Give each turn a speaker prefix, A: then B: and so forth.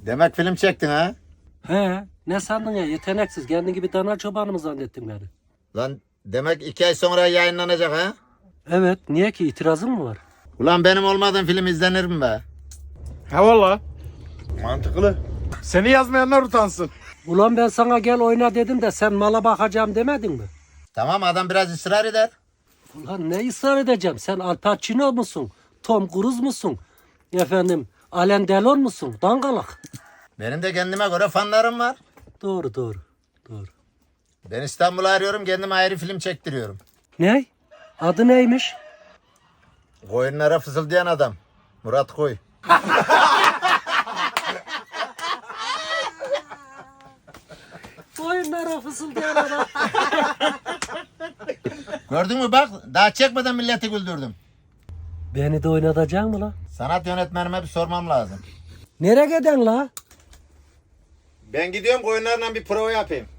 A: Demek film çektin ha?
B: He, ne sandın ya, yeteneksiz, kendi gibi dana çobanı mı zannettin beni?
A: Lan demek 2 ay sonra yayınlanacak ha?
B: Evet, niye ki, itirazın mı var?
A: Ulan benim olmadığım film izlenir mi be?
C: Ha valla. Mantıklı. Seni yazmayanlar utansın.
B: Ulan ben sana gel oyna dedim de sen mala bakacağım demedin mi?
A: Tamam adam biraz ısrar eder.
B: Ulan ne ısrar edeceğim, sen Al Pacino musun? Tom Cruise musun? Efendim, Alain Delon musun? Dangalak.
A: Benim de kendime göre fanlarım var.
B: Doğru.
A: Ben İstanbul'u arıyorum kendime ayrı film çektiriyorum.
B: Ne? Adı neymiş?
A: Koyunlara fısıldayan adam. Murat Koy.
B: Oyunlara fısıldayan adam.
A: Gördün mü bak daha çekmeden milleti güldürdüm.
B: Beni de oynatacaksın mı la?
A: Sanat yönetmenime bir sormam lazım.
B: Nereye giden la?
A: Ben gidiyorum koyunlarla bir prova yapayım.